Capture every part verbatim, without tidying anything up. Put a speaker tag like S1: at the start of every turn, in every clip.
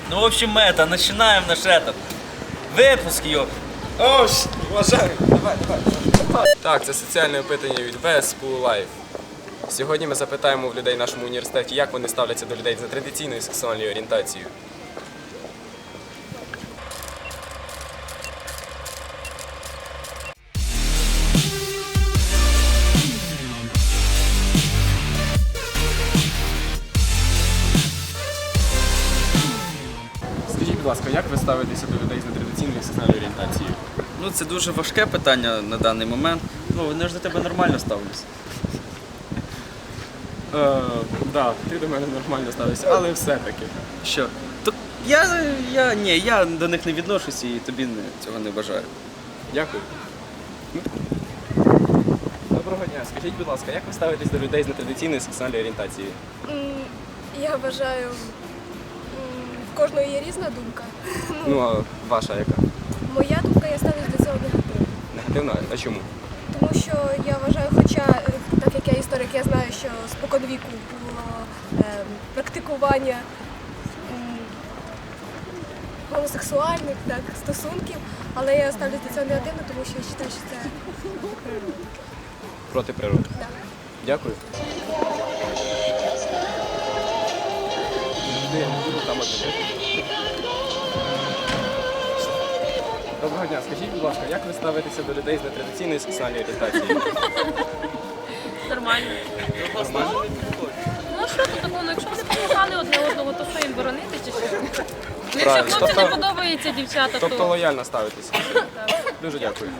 S1: Ну, в общем, это, начинаем наш этот выпуск, ёп.
S2: О, вважаю. Давай, давай, давай. Так, це соціальне опитання від ве ес School Life. Сьогодні ми запитаємо в людей в нашому університеті, як вони ставляться до людей за традиційною сексуальною орієнтацією. Скажіть, будь ласка, як ви ставитеся до людей з нетрадиційною сексуальною орієнтацією?
S1: Ну, це дуже важке питання на даний момент. Ну, вони ж до тебе нормально ставляться.
S2: Так, да, ти до мене нормально ставишся, але все-таки.
S1: Що? То я, я, ні, я до них не відношусь і тобі не, цього не бажаю.
S2: Дякую. Доброго дня. Скажіть, будь ласка, як ви ставитесь до людей з нетрадиційною сексуальною орієнтацією?
S3: М, Я вважаю, м, в кожного є різна думка.
S2: Ну, а ваша яка?
S3: Моя думка, я ставлюсь до цього негативно.
S2: Негативна? А чому?
S3: Тому що я вважаю, хоча, е, так як я історик, я знаю, що споконвіку було е, практикування м, гомосексуальних так, стосунків, але я ставлюсь до цього негативно, тому що я вважаю, що це природа.
S2: Проти природи.
S3: Да.
S2: Дякую. Де? Ну, там одне. Доброго дня. Скажіть, будь ласка, як ви ставитеся до людей з нетрадиційною сексуальною орієнтацією?
S4: Нормально.
S2: Нормально?
S4: Ну а що тут такого? Ну, якщо вони покохали одне одного, то що їм боронити чи що? Ну, якщо
S2: Правильно.
S4: хлопцям не
S2: Тобто-
S4: подобається дівчата,
S2: Тобто
S4: то
S2: лояльно ставитеся. Дуже дякую.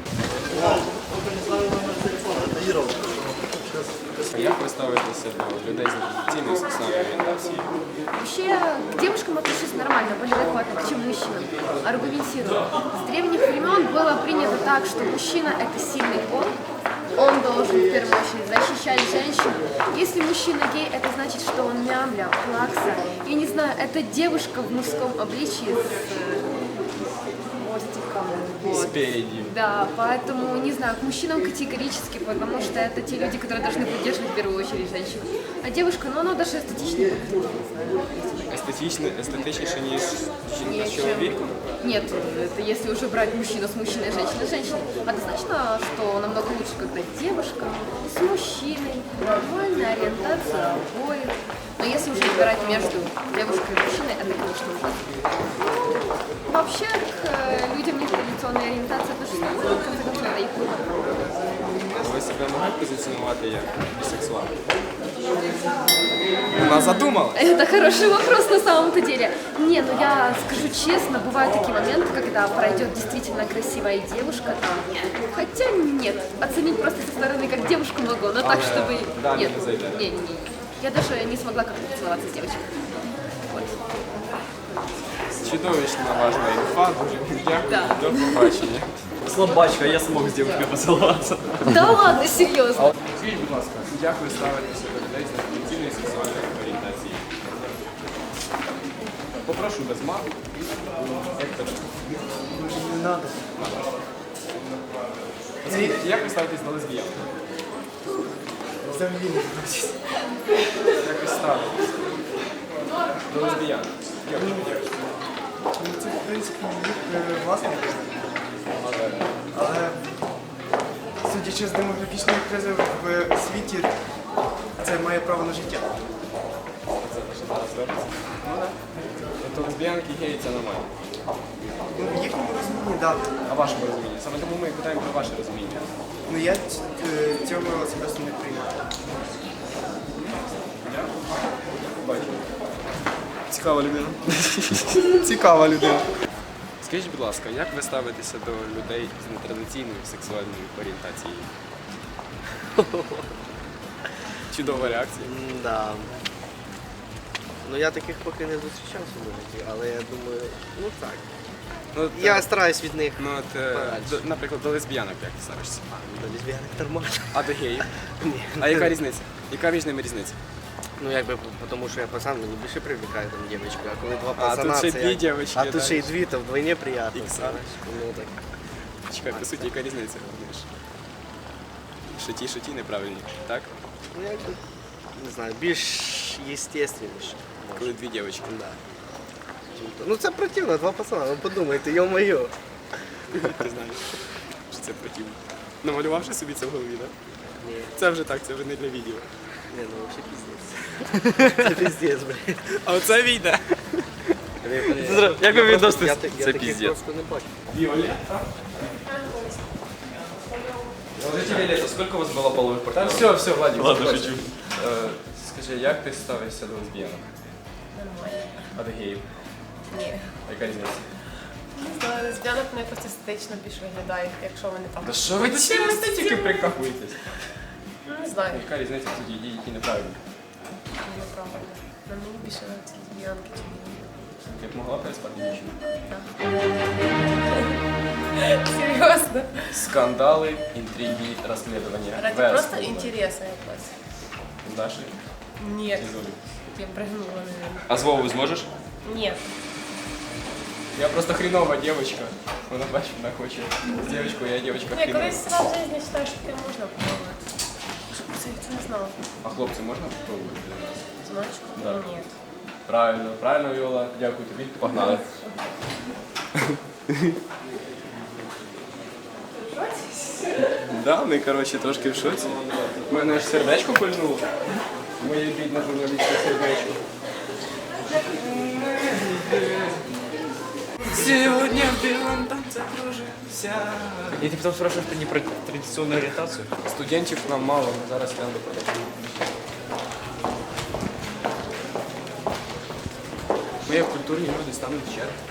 S2: Як ви ставитеся до людей з нетрадиційною сексуальною орієнтацією?
S5: Вообще, к девушкам отношусь нормально, более адекватно, чем к мужчинам. Аргументирую. С древних времен было принято так, что мужчина – это сильный пол, он должен в первую очередь защищать женщин. Если мужчина гей, это значит, что он мямля, плакса. Я не знаю, это девушка в мужском обличии с э, хвостиком. Вот.
S2: Спереди.
S5: Да, поэтому, не знаю, к мужчинам категорически, потому что это те люди, которые должны поддерживать в первую очередь женщин. А девушка, ну она даже эстетичнее.
S2: Естетично, естетичніше, ніж жінка
S5: Нет,
S2: з чоловіком?
S5: Нет, это если уже брать мужчину с мужчиной, женщина с женщиной. Однозначно, что намного лучше, когда девушка с мужчиной, нормальная ориентация обоих. Но если уже выбирать между девушкой и мужчиной, это, конечно, ужасно. Ну, вообще, к э, людям нетрадиционной ориентации отношусь нормально, в конце концов, это их выбор.
S2: Ви себе могли позиціонувати як бісексуал? Вона задумала.
S5: Это хороший вопрос на самом-то деле. Не, ну я скажу честно, бывают такие моменты, когда пройдет действительно красивая девушка там. Хотя нет, оценить просто со стороны как девушку могу, но так,
S2: А,
S5: чтобы...
S2: да,
S5: Нет,
S2: не зайдет.
S5: не, не, не. Я даже не смогла как-то поцеловаться с девочкой. Вот.
S2: Чудовищно важна інфа, дуже дякую.
S5: Да.
S2: До побачення.
S1: Слабачка, я смог с девушкой поцеловаться.
S5: Да ладно, серьезно.
S2: Скажіть, будь ласка, як ви ставитеся до людей з нетрадиційною сексуальною орієнтацією? Попрошу без мат. Як тебе?
S6: Не надо.
S2: Скажіть, як ви ставитесь до лесбіян?
S6: Взагалі не бачить.
S2: Як ви ставитесь до лесбіян? Як ви ставитесь?
S6: Ну, це, в принципі, їх е, власне.
S2: Але
S6: Але судячи з демографічної кризи в світі, це має право на життя.
S2: це те, що зараз робиться. Ну так. Тобто лесбіянки, геї це нормально.
S6: Ну, в їхньому розумінні, так.
S2: А вашому розумінні? Саме тому ми і питаємо про ваше розуміння.
S6: Ну я ць- е, цього особисто не приймаю.
S2: Бачу. Цікава людина. Цікава людина. Скажіть, будь ласка, як ви ставитеся до людей з нетрадиційною сексуальною орієнтацією? Чудова реакція.
S7: Да. Ну я таких поки не зустрічав в своєму житті, але я думаю, ну так.
S2: Ну, от,
S7: Я
S2: е,
S7: стараюсь від них.
S2: ну, от, е,
S7: подальше.
S2: до- наприклад, до лесбіянок як ти ставишся?
S7: До лесбіянок нормально.
S2: А до геїв?
S7: Ні.
S2: А яка різниця? Яка між ними різниця?
S7: Ну якби, тому що я пацан, мені більше привлекає там дівчинка, а коли два
S2: А,
S7: пацана,
S2: тут ще
S7: це
S2: дві
S7: як-
S2: дівчинки,
S7: А тут
S2: да.
S7: ще й дві, то вдвойне приємно.
S2: Ікс,
S7: знаєш. Ну так.
S2: Чекай, по суті, яка різниця? Знаєш? Шоті, шоті неправильні, так?
S7: Ну якби, не знаю, більш естественніше.
S2: Коли дві дівчинки.
S7: Да. почему-то. Ну це противно, два пацана, ви подумайте, йо-моє.
S2: Ти знаєш, що це противно. Намалювавши собі це в голові, так?
S7: Ні,
S2: Це вже так, це вже не для відео.
S7: ні, ну взагалі піздець. Це піздець, блядь.
S2: А оце війде.
S1: Як ви
S7: Я просто-
S1: відноситесь?
S7: я та- Я
S1: Це
S7: таких
S1: піздець.
S7: просто не бачу.
S2: Віолетта?
S1: Скажите, Виолетта, сколько у вас было половых
S2: Та
S1: партнеров?
S2: все, все, Владик.
S1: Ладно,
S2: заходь.
S1: шучу.
S2: Е, Скажи, як ти ставишся до лесбіянок?
S8: Нормально.
S2: А до геїв?
S8: Ні.
S2: Яка різниця?
S8: Не знаю, лесбіянок вони якось естетично більш виглядають, якщо вони там.
S2: Та що ви до цієї естетики прикахуєтесь?
S8: Ну, не знаю,
S2: Яка різниця тоді дії, які неправильні?
S8: неправильно. На мені більше нравиться лесбіянки, чи ні.
S2: Ти б могла переспати дівчину?
S8: Серйозно.
S2: Скандали, інтриги, розслідування.
S8: Ради
S2: Вес
S8: просто
S2: було.
S8: інтересу якось.
S2: З Дашею?
S8: Ні.
S2: Чи з Олею?
S8: Я пригнула, наверное.
S1: А с Вовой сможешь?
S8: Ні.
S2: Я просто хренова девочка. Вона бачить, вона хоче з дівчинкою, я дівчинка
S8: Ні,
S2: хренова.
S8: колись раз в житті вважаю, що таке можна попробувати. Це я це не знала.
S2: А хлопці можна попробувати?
S8: Зночку?
S2: Да.
S8: Ні.
S2: Правильно, правильно, Віола. Дякую тобі. Погнали. Да, ми, коротше, трошки в шоці. У мене аж сердечко пильнуло. Моє бідне журналістське сердечко. Сегодня в белом танце кружимся.
S1: Я тебя потом спрашиваю не про традиционную ориентацию.
S2: Студентів нам мало, ми зараз йдемо до продажу. Ми як культурні люди стануть в чергу.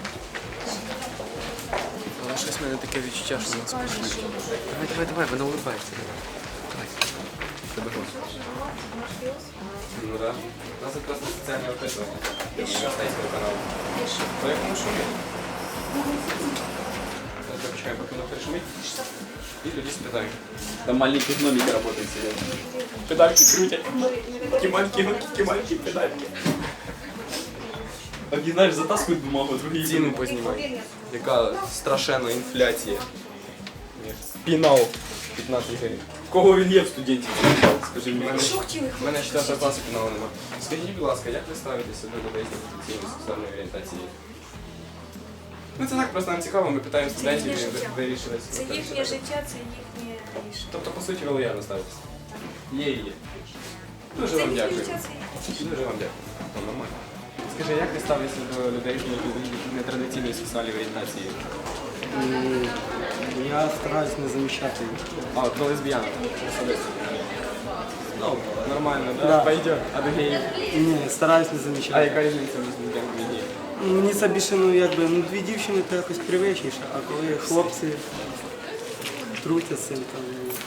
S2: Але щось в мене таке відчуття, що нас пошли.
S7: Давай, давай, давай, вона улыбається.
S2: Тебе голос. Ну так. У нас якраз соціальне опитування. Університетського каналу. По якому шумі? Зараз почекаємо, поки воно перешумить. І тоді спитаємо.
S1: Там маленькие гномики работают серьезно.
S2: Педальки крутять. Кімальки, кімальки, педальки.
S1: Одни, знаешь, затаскивают бумагу, другие
S2: Ціну познімай. Яка страшенна інфляція. Пінал п'ятнадцять гривень.
S1: Кого він є в студенті?
S2: Скажи мені, в мене четвертого класу піналу нема. Скажіть, будь ласка, як ви ставитеся до людей з традиційної сексуальної орієнтації? Ну це так просто нам цікаво, ми питаємо студентів і ви- вирішили.
S9: Це їхнє життя, це їхнє рішення.
S2: Тобто, по суті, ви лояльно ставитеся? Є і є. Дуже
S9: Це
S2: вам
S9: їхнє
S2: дякую.
S9: життя, це їхнє.
S2: Дуже вам дякую. То нормально. Скажи, як ви ставитеся до людей з нетрадиційної сексуальної орієнтації?
S6: Я стараюсь не замічати їх.
S2: А, от до лесбіянок. Ну, нормально, да?
S6: Да.
S2: Пойдет. А до геїв?
S6: Ні, стараюсь не
S2: А
S6: замічати.
S2: яка різниця між лесбіянками і геїв?
S6: Мені це більше, ну якби, ну дві дівчини то якось привичніше, а коли хлопці трутять цим там.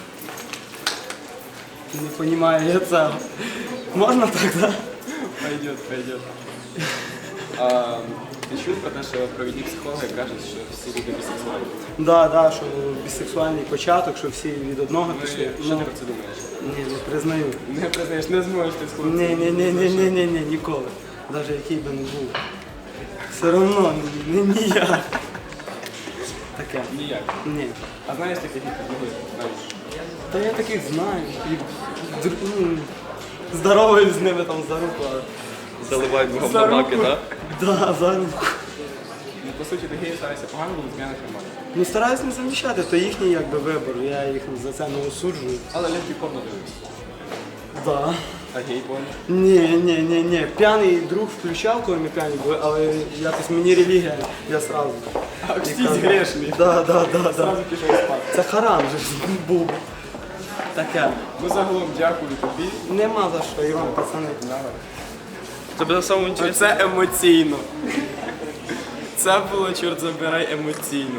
S6: ну, Не розумію я цього. Можна так, так?
S2: Пойдет, пойдет. А, ти чув про те, що провідні психологи кажуть, що всі люди бісексуальні?
S6: Да, да, що бісексуальний початок, що всі від одного
S2: Ну,
S6: пішли.
S2: і що ти про це думаєш?
S6: Ні, не признаю.
S2: Не признаєш, не зможеш ти з хлопцем.
S6: Ні, ні, ні, ні, ні, ні, ні, ніколи. Навіть який би не був. Все одно не ніяк. Таке.
S2: Ніяк.
S6: Ні.
S2: А знаєш таких, які підлогують? Знаєш?
S6: Та я таких знаю. І др- ну, здороваюсь з ними там за руку. а-
S1: Заливают говномаки, да?
S6: Да, за руку.
S2: Ну, по суті, до геїв ставиться погано, до лесбіянок нормально.
S6: Ну стараюсь не замічати, то їхній якби вибір, я їх за це не осуджую.
S2: Але лесбі порно дивишся.
S6: Да.
S2: А гей порно?
S6: Ні, ні, ні, ні. П'яний друг включав, коли ми п'яні були, але якось мені релігія, я сразу.
S2: А всі грешні.
S6: Да, да, да, да.
S2: Зразу пішов спати.
S6: Це харам же ж був. Таке.
S2: Ну, загалом дякую тобі.
S6: Нема за що, і вам, пацани.
S1: Тебе на самом интересно.
S2: Це емоційно. Це було, чорт забирай, емоційно.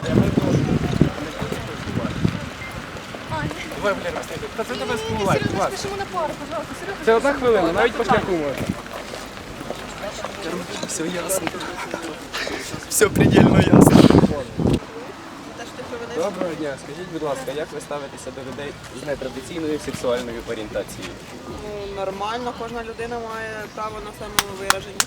S2: Давай, Валера, встайте. Та це тебе співлайк, ладно.
S3: Пишемо на пару, пожалуйста, Серега.
S2: Це одна хвилина, навіть по шляху можна. Все ясно. Все предельно ясно. Доброго дня. Скажіть, будь ласка, як ви ставитеся до людей з нетрадиційною сексуальною орієнтацією?
S10: Ну, нормально, кожна людина має право на самовираження.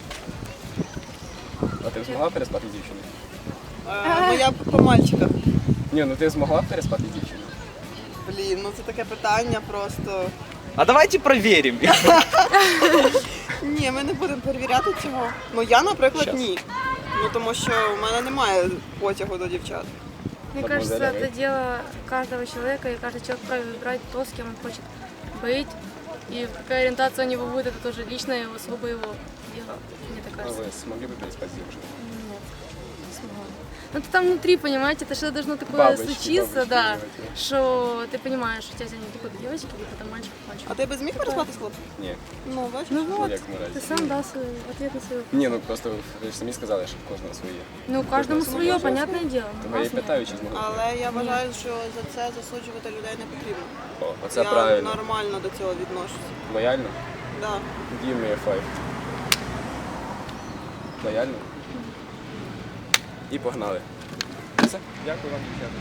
S2: А ти б змогла переспати з дівчиною?
S10: Е, ну я по мальчиках.
S2: Ні, ну ти змогла б переспати з дівчиною?
S10: Блін, ну це таке питання просто.
S1: А давайте проверим.
S10: Ні, ми не будемо перевіряти цього. Ну я, наприклад, ні. Ну тому що в мене немає потягу до дівчат.
S4: Мне кажется, это дело каждого человека, и каждый человек вправе выбирать то, с кем он хочет быть. И какая ориентация у него будет, это тоже личное его, сугубо его дело, мне так
S2: А
S4: кажется.
S2: ви змогли б переспати з дівчиною?
S4: Нет, не смогла. Ну это там внутри, понимаете, это что-то должно такое
S2: Бабочки,
S4: случиться,
S2: бабочки,
S4: да,
S2: давайте.
S4: что ты понимаешь, что тебя тянет либо к девочке, либо там мальчик к мальчику.
S10: А ти би зміг переспати з хлопцем?
S2: Ні.
S10: Ну, бачиш?
S4: Ну
S2: Ну,
S4: вот,
S2: як ми разі.
S4: ты сам дал свой ответ на свой вопрос.
S2: Ні, ну просто ви ж самі сказали, що в кожного своє.
S4: Ну, каждому свое, понятное дело.
S2: Тому я і
S4: Нас нет.
S2: питаю, чи змогли.
S10: Але я вважаю, що за це засуджувати людей не потрібно.
S2: О, оце
S10: я
S2: правильно.
S10: нормально до цього відношуся.
S2: Лояльно?
S10: Да.
S2: Give me a five. Лояльно? І погнали. Все, дякую вам, дівчата.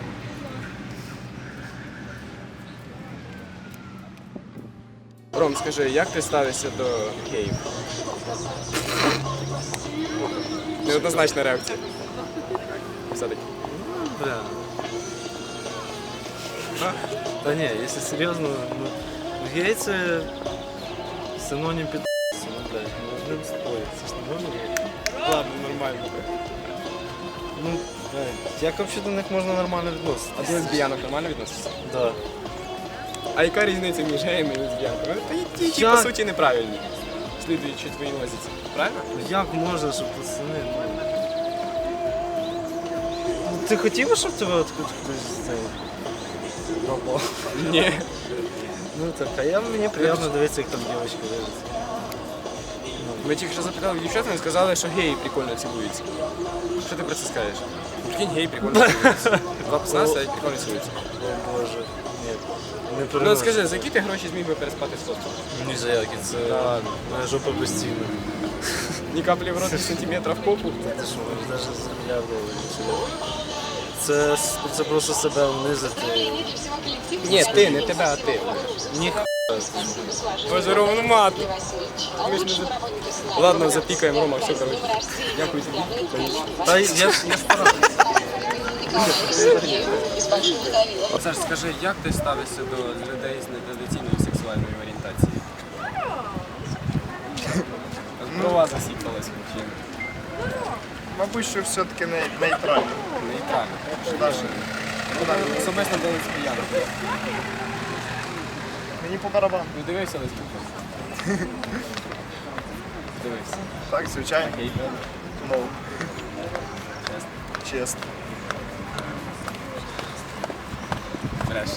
S2: Ром, скажи, як ти ставишся до геїв? Неоднозначна реакція. Все-таки.
S6: Бля. Та ні, якщо серйозно, ну, гей це синонім під ну, блядь, ну одним спорить, це ж не можна бути. Ладно, нормально. Ну, блядь, як взагалі до них можна нормально
S2: А
S6: відноситися?
S2: до лесбіянок нормально відносишся?
S6: Да.
S2: А яка різниця між геями і лесбіянками? Та й ті, ті,
S6: Як?
S2: по суті, неправильні. Слідуючи твоїй лозіці. Правильно?
S6: Ну, як можна, щоб пацани, ну... Ну, ти хотів би, щоб тебе от хтось цей... пропав?
S2: Ні.
S6: Ну так, а я, мені приємно дивитися, як там дівчинка дивиться.
S2: Ми тільки що запитали дівчат, вони сказали, що геї прикольно цілуються. Що ти про це скажеш? Прикинь, геї прикольно цілуються. Два пацана сидять, прикольно цілуються.
S6: О боже, ні. Не
S2: Ну
S6: переношу.
S2: от скажи, за які ти гроші зміг би переспати з хлопцем?
S6: Ні за які, це моя жопа постійно.
S2: Ні каплі в рот, ні сантиметра в попу.
S6: Ти що, навіть за мільярд доларів. Це, це просто себе унизити.
S2: Ні, ти, не тебе, а ти.
S6: Ні,
S2: Боже, Рома, ну мати. Ми ж не за- Ладно, запікаємо, Рома, все, коротше. Дякую тобі.
S6: та я, я стараюся.
S2: Саш, скажи, як ти ставишся до людей з нетрадиційною сексуальною орієнтацією? Брова засіпалась мужчина.
S11: Мабуть, що все-таки не, нейтрально.
S2: Нейтрально. Особисто до лесбіянок.
S11: Мені по барабану.
S2: Ну дивився лесбіянок. Дивився.
S11: Так, звичайно.
S2: Гей,
S11: Ну. Чесно.
S2: бреш.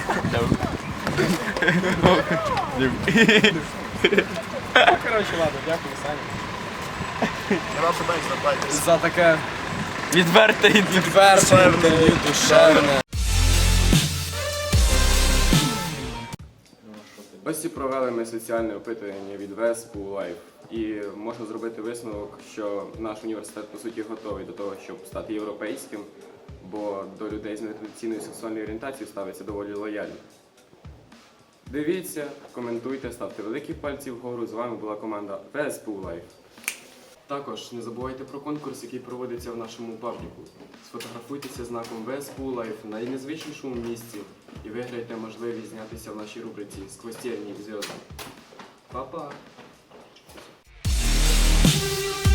S2: Коротше, ладно, дякую, Саня.
S11: Нема питань, звертайтеся.
S2: За таке відверте інтерв'ю. Відверте інтерв'ю, душевне. Ось і провели ми соціальне опитування від ВЕСПу Лайф. І можна зробити висновок, що наш університет по суті готовий до того, щоб стати європейським, бо до людей з нетрадиційною сексуальною орієнтацією ставиться доволі лояльно. Дивіться, коментуйте, ставте великі пальці вгору. З вами була команда ВЕСПу Лайф. Також не забувайте про конкурс, який проводиться в нашому пабліку. Сфотографуйтеся знаком ВЕСПу Лайф на найнезвичнішому місці і виграйте можливість знятися в нашій рубриці «Сквозь тернии к звездам». Па-па!